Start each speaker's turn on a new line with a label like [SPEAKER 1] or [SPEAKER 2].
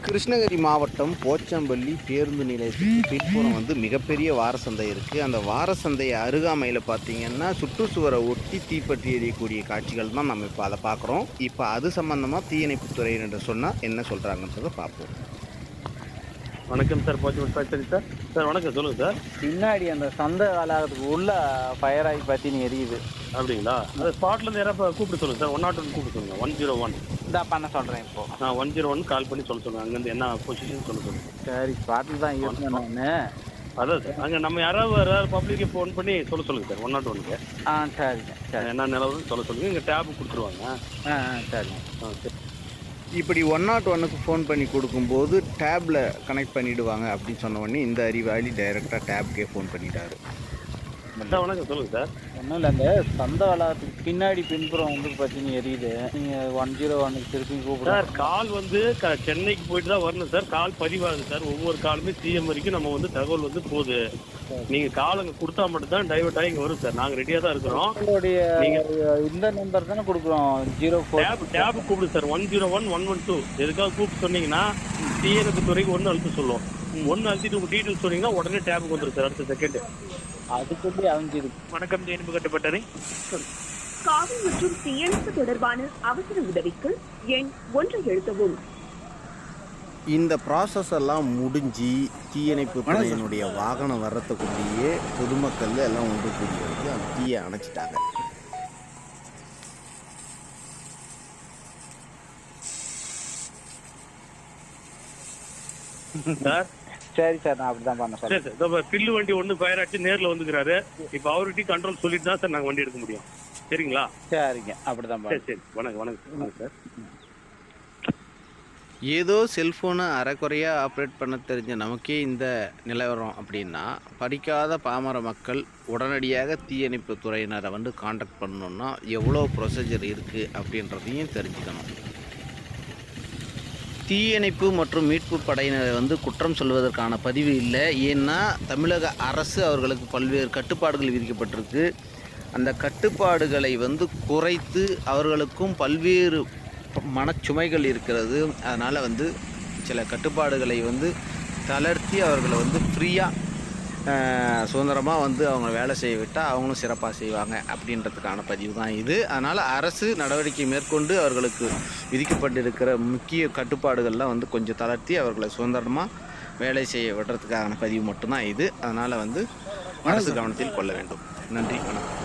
[SPEAKER 1] கிருஷ்ணகிரி மாவட்டம் போச்சம்பள்ளி பேருந்து நிலையத்துக்கு பின்புறம் மிகப்பெரிய வாரசந்தை இருக்குது. அந்த வாரசந்தை அருகாமையில் பார்த்தீங்கன்னா சுற்றுச்சுவரை ஒட்டி தீப்பற்றி எரியக்கூடிய காட்சிகள் தான் நம்ம இப்போ அதை பார்க்குறோம். இப்போ அது சம்மந்தமாக தீயணைப்புத்துறையினர் சொன்னால் என்ன சொல்கிறாங்கன்றதை பார்ப்போம்.
[SPEAKER 2] வணக்கம் சார், போச்சம்பள்ளி சார். சார் வணக்கம், சொல்லுங்கள் சார்.
[SPEAKER 3] பின்னாடி அந்த சந்தை வளாகத்துக்கு உள்ள ஃபயர் ஆகி பார்த்தீங்க எரியுது.
[SPEAKER 2] அப்படிங்களா? அந்த ஸ்பாட்லேருந்து யாராவது கூப்பிட்டு சொல்லுங்கள் சார். 101 கூப்பிட்டு சொல்லுங்கள். 101
[SPEAKER 3] இதான் பண்ண சொல்கிறேன் இப்போ.
[SPEAKER 2] நான் 101 கால் பண்ணி சொல்லுங்கள். அங்கேருந்து என்ன பொசிஷன் சொல்லுங்கள்.
[SPEAKER 3] சரி, ஸ்பாட்டில் தான் இருக்கேன் நான்.
[SPEAKER 2] அதான் சார், அங்கே நம்ம யாராவது பப்ளிக்கு ஃபோன் பண்ணி சொல்லுங்கள் சார். 101க்கு.
[SPEAKER 3] சரிங்க, சரி.
[SPEAKER 2] என்ன நிலவுன்னு சொல்லுங்கள். இங்கே டேப் கொடுத்துருவாங்க.
[SPEAKER 3] சரிங்க.
[SPEAKER 2] சரி.
[SPEAKER 1] இப்படி 101க்கு ஃபோன் பண்ணி கொடுக்கும்போது டேப்பில் கனெக்ட் பண்ணிவிடுவாங்க அப்படின்னு சொன்ன உடனே இந்த அறிவாளி டைரெக்டாக டேப்புக்கே ஃபோன் பண்ணிட்டாரு.
[SPEAKER 2] சார் வணக்கம், சொல்லுங்கள் சார்.
[SPEAKER 3] ஒன்றும் இல்லை, அந்த சந்தை வளாகத்துக்கு பின்னாடி பின்புறம் பார்த்தீங்க எரியுது. நீங்கள் 101க்கு திருப்பி கூப்பிடுங்க
[SPEAKER 2] சார். கால் சென்னைக்கு போயிட்டு தான் வரணும் சார். கால் பதிவாகுது சார். ஒவ்வொரு காலுமே சிஎம் வரைக்கும் நம்ம தகவல் போகுது. நீங்கள் கால் அங்கே கொடுத்தா மட்டும்தான் டைவர்ட் ஆகி இங்கே வரும் சார். நாங்கள் ரெடியாக தான் இருக்கிறோம்.
[SPEAKER 3] உங்களுடைய இந்த நம்பர் தானே கொடுக்குறோம், 04
[SPEAKER 2] டேப் கூப்பிடு சார். 101 112 எதுக்காக கூப்பிட்டு சொன்னீங்கன்னா தீயணைப்புத்துறைக்கு 1 அழுத்த சொல்லுவோம். 1 அழுத்திட்டு உங்கள் டீட்டெயில்ஸ் சொன்னீங்கன்னா உடனே டேபுக்கு வந்துடும் சார். அடுத்த செகண்ட்
[SPEAKER 3] அதுக்குள்ளே அழிஞ்சிருக்கு.
[SPEAKER 2] வணக்கம், தீயணைப்பு கட்டுப்பட்டறை.
[SPEAKER 4] காவல் மற்றும் தீயணைப்பு தொடர்பான அவசர உதவிக்கு எண் 1 எழுத்தவும்.
[SPEAKER 1] இந்த ப்ராசஸ் எல்லாம் முடிஞ்சு தீயணைப்பு துறையினுடைய வாகனம் வர்றதுக்குள்ளேயே பொதுமக்கள் எல்லாம் ஒன்று கூடி வந்து அந்த தீயை அணைச்சிட்டாங்க.
[SPEAKER 2] சார்
[SPEAKER 3] சரி சார், நான் அப்படிதான் பண்ண
[SPEAKER 2] சரி சார். பில்லு வண்டி ஒன்று ஃபயர் ஆச்சு, நேரில் வந்துக்கிறாரு. இப்போ அவர்கிட்ட கண்ட்ரோல் சொல்லிட்டு தான் சார் நாங்கள் வண்டி எடுக்க முடியும். சரிங்களா?
[SPEAKER 3] சரிங்க, அப்படிதான்.
[SPEAKER 2] சரி சரி. வணக்கம் சார்.
[SPEAKER 1] ஏதோ செல்ஃபோனை அரைக்குறையாக ஆப்ரேட் பண்ண தெரிஞ்ச நமக்கே இந்த நிலவரம் அப்படின்னா, படிக்காத பாமர மக்கள் உடனடியாக தீயணைப்பு துறையினரை காண்டாக்ட் பண்ணணுன்னா எவ்வளோ ப்ரொசீஜர் இருக்குது அப்படின்றதையும் தெரிஞ்சுக்கணும். தீயணைப்பு மற்றும் மீட்பு படையினரை குற்றம் சொல்வதற்கான பதிவு இல்லை. ஏன்னா தமிழக அரசு அவர்களுக்கு பல்வேறு கட்டுப்பாடுகள் விதிக்கப்பட்டிருக்கு. அந்த கட்டுப்பாடுகளை குறைத்து அவர்களுக்கும் பல்வேறு மனச்சுமைகள் இருக்கிறது. அதனால் சில கட்டுப்பாடுகளை தளர்த்தி அவர்களை ஃப்ரீயாக சுதந்திரமாக அவங்க வேலை செய்ய விட்டால் அவங்களும் சிறப்பாக செய்வாங்க அப்படின்றதுக்கான பதிவு தான் இது. அதனால் அரசு நடவடிக்கை மேற்கொண்டு அவர்களுக்கு விதிக்கப்பட்டிருக்கிற முக்கிய கட்டுப்பாடுகள்லாம் கொஞ்சம் தளர்த்தி அவர்களை சுதந்திரமாக வேலை செய்ய விடுறதுக்கான பதிவு மட்டும்தான் இது. அதனால் அரசு கவனத்தில் கொள்ள வேண்டும். நன்றி, வணக்கம்.